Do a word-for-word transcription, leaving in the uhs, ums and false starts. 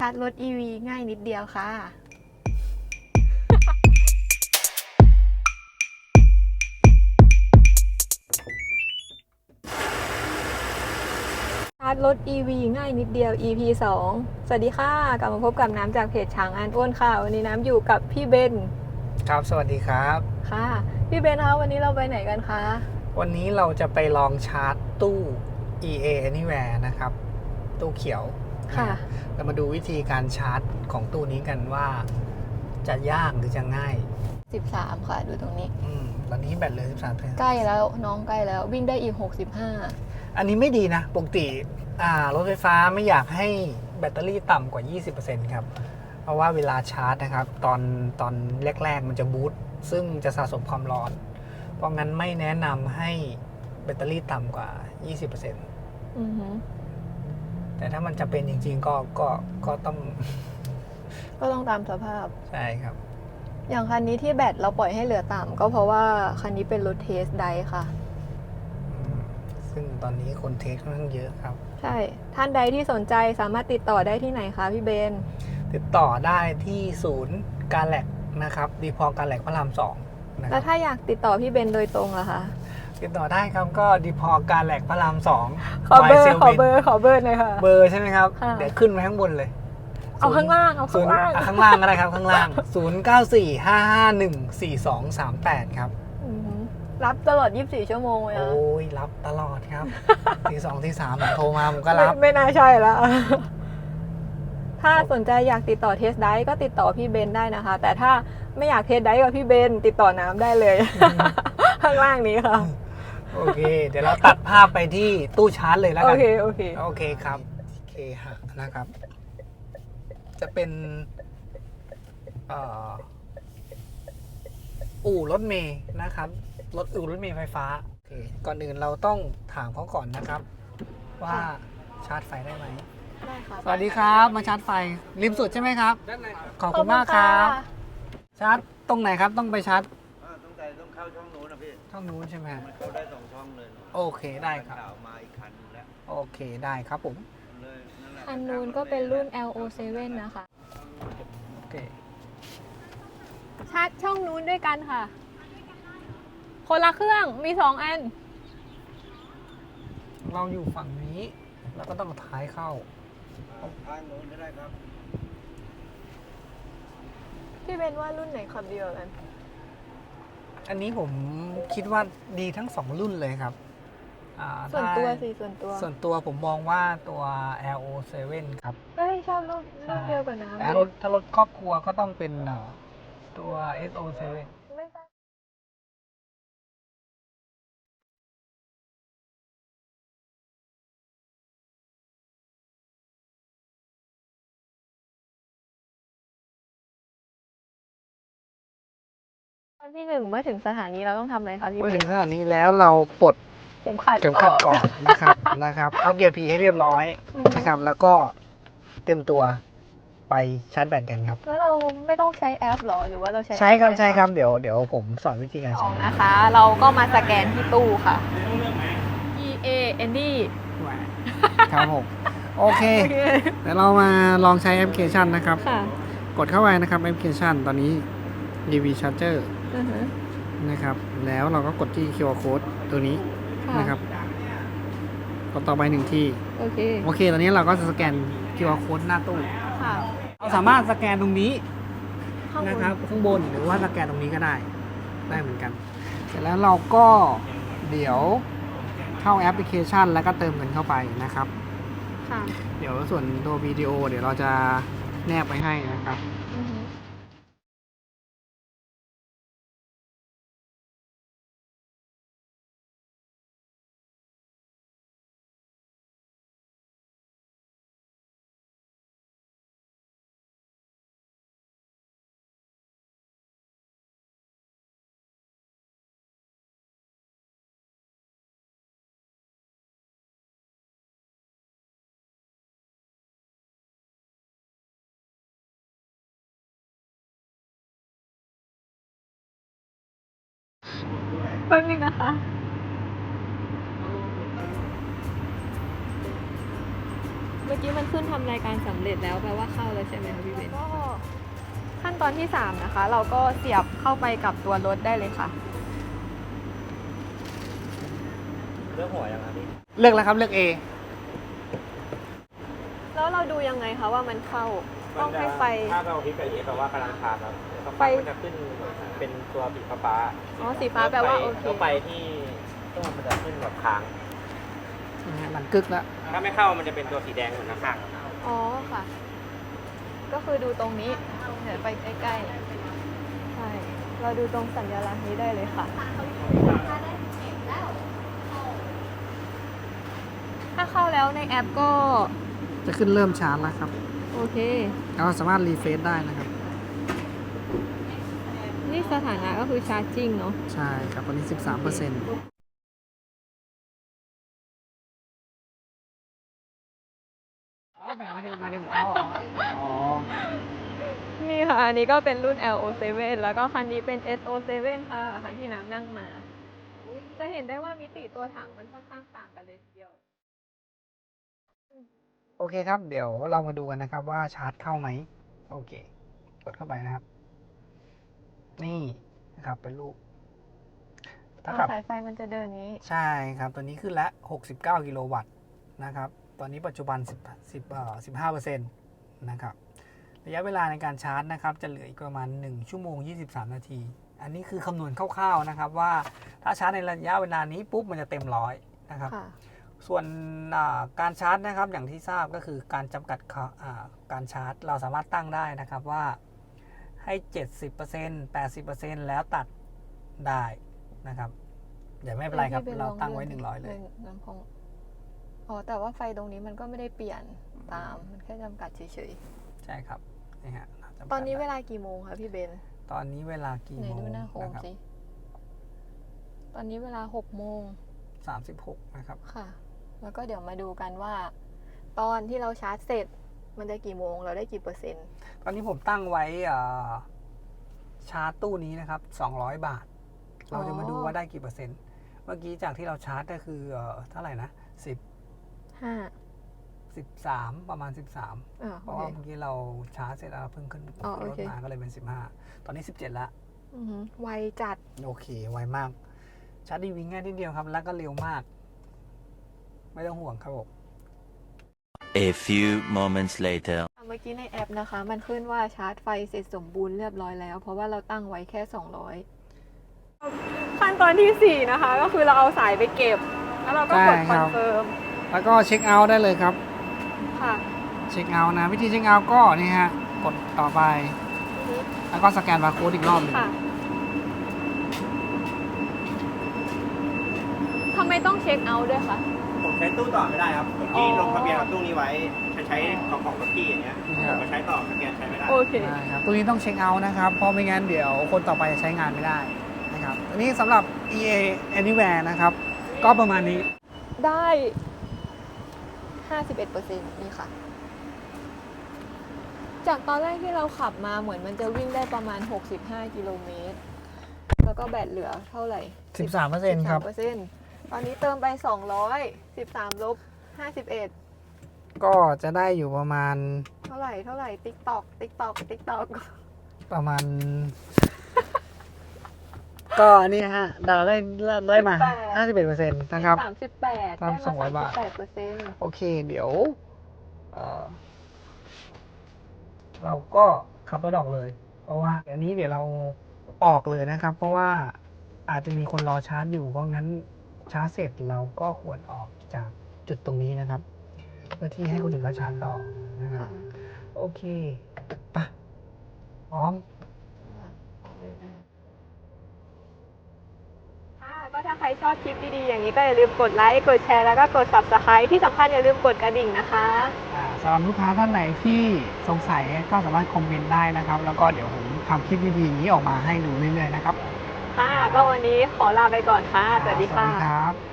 าร์จรถ อี วี ง่ายนิดเดียวค่ะชาร์จรถ อี วี ง่ายนิดเดียว อี พี สอง สวัสดีค่ะกลับมาพบกับน้ำจากเพจช้างอันอ้วนค่ะวันนี้น้ำอยู่กับพี่เบนครับสวัสดีครับค่ะพี่เบนคะวันนี้เราไปไหนกันคะวันนี้เราจะไปลองชาร์จตู้ อี เอ Anywhere นะครับตู้เขียวค่ะเรามาดูวิธีการชาร์จของตู้นี้กันว่าจะยากหรือจะง่ายสิบสามค่ะดูตรงนี้อืมตอนนี้แบตเหลือสิบสามเปอร์เซ็นต์ใกล้แล้วน้องใกล้แล้ววิ่งได้อีกหกสิบห้าอันนี้ไม่ดีนะปกติอ่ารถไฟฟ้าไม่อยากให้แบตเตอรี่ต่ำกว่า ยี่สิบเปอร์เซ็นต์ ครับเพราะว่าเวลาชาร์จนะครับตอนตอนแรกๆมันจะบูตซึ่งจะสะสมความร้อนเพราะงั้นไม่แนะนำให้แบตเตอรี่ต่ำกว่า ยี่สิบเปอร์เซ็นต์อือฮึแต่ถ้ามันจะเป็นจริงๆก็ก็ก็ต้องก็ต้องตามสภาพใช่ครับอย่างคันนี้ที่แบตเราปล่อยให้เหลือต่ำก็เพราะว่าคันนี้เป็นรถเทสไดค่ะซึ่งตอนนี้คนเทสค่อนข้างเยอะครับใช่ท่านใดที่สนใจสามารถติดต่อได้ที่ไหนคะพี่เบนติดต่อได้ที่ศูนย์การแลกนะครับดีพอการแลกพระรามสองนะแล้วถ้าอยากติดต่อพี่เบนโดยตรงล่ะคะติดต่อได้ครับก็ดีพอการแหลกพระรามสองขอเบอร์ขอเบอร์ขอเบอร์หน่อยค่ะเบอร์ใช่ไหมครับเดี๋ยวขึ้นไว้ข้างบนเลยเอาข้างล่างเอาข้างล่างข้างล่างก็ได้ครับข้างล่างศูนย์ เก้า สี่ ห้า ห้า หนึ่ง สี่ สอง สาม แปดครับรับตลอดยี่สิบสี่ชั่วโมงเลยนะโอ้ยรับตลอดครับทีสองทีสามโทรมาผมก็รับไม่น่าใช่แล้วถ้าสนใจอยากติดต่อเทสได้ก็ติดต่อพี่เบนได้นะคะแต่ถ้าไม่อยากเทสได้กับพี่เบนติดต่อน้ำได้เลยข้างล่างนี้ค่ะโอเคเดี๋ยวเราตัดภาพไปที่ตู้ชาร์จเลยแล้วกันโอเคโอเคโอเคครับโอเคฮะนะครับจะเป็นอู่รถเมย์นะครับรถอู่รถเมย์ไฟฟ้าโอเคก่อนอื่นเราต้องถามเขาก่อนนะครับ ว่าชาร์จไฟได้ไหมได้ค่ะสวัสดีครับมาชาร์จไฟริมสุดใช่ไหมครับขอบคุณมากครับชาร์จตรงไหนครับต้องไปชาร์จต้องใจต้องเข้าช่องนู้นนะพี่ช่องนู้นใช่ไหมมันเข้าได้สองช่องเลยโอเคได้ครับมาอีกคันนึงแล้วโอเคได้ครับผมคันนู้นก็เป็นรุ่น แอล โอ เซเว่น นะคะโอเคชาร์จช่องนู้นด้วยกันค่ะคนละเครื่องมีสองอันเราอยู่ฝั่งนี้แล้วก็ต้องท้ายเข้าทางโน้นก็ได้ครับพี่เบนว่ารุ่นไหนขับดีกว่ากันอันนี้ผมคิดว่าดีทั้งสองรุ่นเลยครับส่วนตัวสิส่วนตัวส่วนตัวผมมองว่าตัว แอล โอ เซเว่น ครับเอ้ยชอบรุ่นรุ่นเดียวกับน้ำแต่รถถ้ารถครอบครัวก็ต้องเป็นตัว เอส โอ เซเว่นวันที่หนึ่งเมื่อถึงสถานีเราต้องทำอะไรคะพี่เมื่อถึงสถานีแล้วเราปลดเข็มขัดเข็มขัดก่อนนะครับนะครับเอาเกียร์พีให้เรียบร้อยนะครับแล้วก็เตรียมตัวไปชาร์จแบตกันครับแล้วเราไม่ต้องใช้แอปหรอหรือว่าเราใช้ใช้ครับใช้ครับเดี๋ยวเดี๋ยวผมสอนวิธีการใช้นะคะ เราก็มาสแกนที่ตู้ค่ะ อี เอ Any ครับผมโอเคเดี๋ยวเรามาลองใช้แอปพลิเคชันนะครับกดเข้าไปนะครับแอปพลิเคชันตอนนี้ อี วี Charger นะครับแล้วเราก็กดที่ คิว อาร์ Code ตัวนี้นะครับกดต่อไปหนึ่งที่โอเคโอเคตอนนี้เราก็จะสแกน คิว อาร์ Code หน้าตู้เราสามารถสแกนตรงนี้นะครับข้างบนหรือว่าสแกนตรงนี้ก็ได้ได้เหมือนกันเสร็จแล้วเราก็เดี๋ยวเข้าแอปพลิเคชันแล้วก็เติมเงินเข้าไปนะครับเดี๋ยวส่วนตัววิดีโอเดี๋ยวเราจะแนบไปให้นะครับแป๊บนึงนะคะมื่อกี้มันขึ้นทำรายการสำเร็จแล้วแปลว่าเข้าแล้วใช่ไหมคะพี่เบนก็ขั้นตอนที่สามนะคะ เราก็เสียบเข้าไปกับตัวรถได้เลยค่ะเรื่องหัวยังไงพี่เลือกแล้วครับเลือก A แล้วเราดูยังไงคะว่ามันเข้าต้องให้ไฟถ้าเราคลิกกับเอแปลว่ากำลังทานครับสักไฟพักมันจะขึ้นเป็นตัวสีฟ้าๆอ๋อสีฟ้าแปลว่าโอเคแล้วไปที่ตู้มันจะขึ้นแบบค้างนะฮะมันกึกแล้วถ้าไม่เข้ามันจะเป็นตัวสีแดงเหมือนข้างอ๋อค่ะ ก็คือดูตรงนี้เดี๋ยวไปใกล้ๆใช่เราดูตรงสัญลักษณ์นี้ได้เลยค่ะ ถ้าเข้าแล้วในแอปก็จะขึ้นเริ่มชาร์จแล้วครับโอเคเราสามารถรีเฟซได้นะครับนี่สถานะก็คือชาร์จจริงเนาะใช่ครับตอนนี้ สิบสามเปอร์เซ็นต์นี่ค่ะ อันนี้ก็เป็นรุ่น แอล โอ เซเว่น แล้วก็คันนี้เป็น เอส โอ เซเว่น ค่ะ คันที่น้ำนั่งมา จะเห็นได้ว่ามิติตัวถังมันค่อนข้างต่างกันเลยทีเดียวโอเคครับ เดี๋ยวเรามาดูกันนะครับว่าชาร์จเข้าไหม โอเค กดเข้าไปนะครับ นี่นะครับเป็นรูปถ้าอ๋อขับสายไฟมันจะเดินนี้ใช่ครับ ตัวนี้ขึ้นละหกสิบเก้ากิโลวัตต์นะครับ ตอนนี้ปัจจุบัน10 10เอ่อสิบห้าเปอร์เซ็นต์นะครับ ระยะเวลาในการชาร์จนะครับ จะเหลืออีกประมาณหนึ่งชั่วโมงยี่สิบสามนาที อันนี้คือคำนวณคร่าวๆนะครับว่าถ้าชาร์จในระยะเวลานี้ปุ๊บมันจะเต็มร้อยนะครับค่ะส่วนอ่าการชาร์จนะครับอย่างที่ทราบก็คือการจำกัดค่ะอ่าการชาร์จเราสามารถตั้งได้นะครับว่าให้ เจ็ดสิบเปอร์เซ็นต์ แปดสิบเปอร์เซ็นต์ แล้วตัดได้นะครับเดี๋ยวไม่เป็นไรครับพี่บนเราลอตั้งไว้ดิหนึ่งร้อยเลยลำโพงอ๋อ แต่ว่าไฟตรงนี้มันก็ไม่ได้เปลี่ยนตาม มันแค่จำกัดเฉยใช่ครับนี่ฮะเราจำกัดๆ ตอนนี้เวได้ลากี่โมงคะพี่เบนตอนนี้เวลากี่ไหนโมดูงหน้าโฮมนะครับสิ ตอนนี้เวลาหกโมงสามสิบหกนะครับค่ะ แล้วก็เดี๋ยวมาดูกันว่า ตอนที่เราชาร์จเสร็จ มันจะกี่โมง เราได้กี่เปอร์เซ็นต์ตอนนี้ผมตั้งไว้อ่าชาร์จตู้นี้นะครับสองร้อยบาท เราจะมาดูว่าได้กี่เปอร์เซ็นต์ เมื่อกี้จากที่เราชาร์จก็คือเอ่อเท่าไหร่นะสิบห้าสิบสามประมาณสิบสามอ่าเพโอราะเคว่าเมื่อกี้เราชาร์จเสร็จแล้วเราเพิ่งขึ้นอ๋อโอรถเคมาก็เลยเป็นสิบห้าตอนนี้สิบเจ็ดแล้วอือหือไวจัดโอเคไวมาก ชาร์จดีวิ่งง่ายนิดเดียวครับ แล้วก็เร็วมาก ไม่ต้องห่วงครับผม A few moments later. เมื่อกี้ในแอปนะคะ มันขึ้นว่าชาร์จไฟเสร็จสมบูรณ์เรียบร้อยแล้ว เพราะว่าเราตั้งไว้แค่สองร้อยขั้นตอนที่สี่นะคะ ก็คือเราเอาสายไปเก็บ แล้วเราก็กดใช่คครัอบ นเฟิร์มแล้วก็เช็คเอาท์ได้เลยครับค่ะเช็คเอาท์นะ วิธีเช็คเอาท์ก็นี่ฮะ กดต่อไป แล้วก็สแกนบาร์โค้ดอีกรอบหนึงค่ะทำไมต้องเช็คเอาท์ด้วยคะๆผมใช้ตู้ต่อไม่ได้ครับผมที่ลงทะเบียนกับตู้นี้ไว้จะใช้ของของรถที่อย่างเงี้ยผมมาใช้ต่อสแกนใช้ไม่ได้โอเคใช่ครับตัวนี้ต้องเช็คเอาท์นะครับ เพราะไม่งั้นเดี๋ยวคนต่อไปจะใช้งานไม่ได้นะครับ อันนี้สำหรับ อี เอ Anywhere นะครับ ก็ประมาณนี้ได้ ห้าสิบเอ็ดเปอร์เซ็นต์ นี่ค่ะ จากตอนแรกที่เราขับมาเหมือนมันจะวิ่งได้ประมาณ หกสิบห้า กิโลเมตร แล้วก็แบตเหลือเท่าไหร่สิบสามเปอร์เซ็นต์ ครับเปอร์เซ็นต์ ตอนนี้เติมไป สองร้อย สิบสาม ลบ ห้าสิบเอ็ดก็จะได้อยู่ประมาณเท่าไหร่ เท่าไหร่ ติ๊กตอก ติ๊กตอก ติ๊กตอกประมาณ ก็นี่ฮะเราได้ได้มา ห้าสิบเอ็ดเปอร์เซ็นต์ นะครับสามสิบแปดตามสองร้อยบาทแปดเปอร์เซ็นต์โอเค เดี๋ยวเอ่อเราก็ขับรถออกเลย เพราะว่าอันนี้เดี๋ยวเราออกเลยนะครับ เพราะว่าอาจจะมีคนรอชาร์จอยู่ เพราะงั้นชาร์จเสร็จเราก็ควรออกจากจุดตรงนี้นะครับ เพื่อที่ให้คนอื่นเขาชาร์จต่อนะครับ โอเคไปะพร้อมค่ะก็ถ้าใครชอบคลิปดีๆ อย่างนี้ก็อย่าลืมกดไลค์ กดแชร์ แล้วก็กด ซับสไครบ์ ที่สำคัญอย่าลืมกดกระดิ่งนะคะอ่าสำหรับลูกค้าท่านไหนที่สงสัยก็สามารถคอมเมนต์ได้นะครับ แล้วก็เดี๋ยวผมทำคลิปดีๆอย่างนี้ออกมาให้ดูเรื่อยๆนะครับค่ะ ก็วันนี้ขอลาไปก่อนค่ะ สวัสดีสวัค่ะสดีครับ